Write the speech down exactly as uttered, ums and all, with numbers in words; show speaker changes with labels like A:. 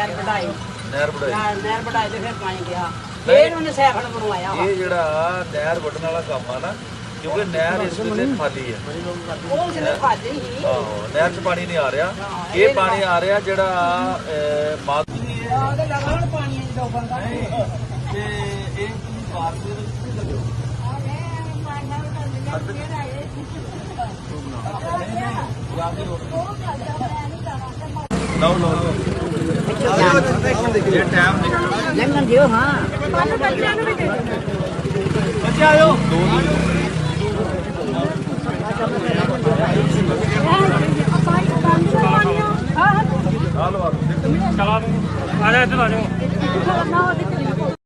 A: ਨਹਿਰ ਵਢਾਈ
B: ਨਹਿਰ ਵਢਾਈ
A: ਨਹਿਰ ਵਢਾਈ ਤੇ ਫਿਰ ਪਾਣੀ ਗਿਆ ਫਿਰ ਉਹਨੇ ਸਾਈਕਲ ਬਣਵਾਇਆ
B: ਇਹ ਜਿਹੜਾ ਨਹਿਰ ਵੱਢਣ ਵਾਲਾ ਕੰਮ ਆ ਨਾ ਕਿਉਂਕਿ ਨਹਿਰ ਇਸ ਵੇਲੇ ਖਾਲੀ ਹੈ
A: ਉਹ ਜਿਹਨੇ ਖਾਲੀ ਸੀ
B: ਆਹੋ ਨਹਿਰ 'ਚ ਪਾਣੀ ਨਹੀਂ ਆ ਰਿਹਾ ਇਹ ਪਾਣੀ ਆ ਰਿਹਾ ਜਿਹੜਾ ਮਾਤ
A: ਉਹਦੇ ਲਗਾਉਣ ਪਾਣੀ ਚ ਡੋਬਣ ਦਾ
B: ਤੇ ਇਹ ਪਾਰਕ ਦੇ ਵਿੱਚ ਲਓ ਲਓ ਇਹ ਟਾਈਮ ਨਿਕਲ
A: ਲੰਘਣ ਦਿਓ ਹਾਂ
B: ਬੱਚੇ ਆਇਓ ਦੋ
C: ਚਲਾ ਆ ਜਾ ਇੱਧਰ ਆ ਜਾਓ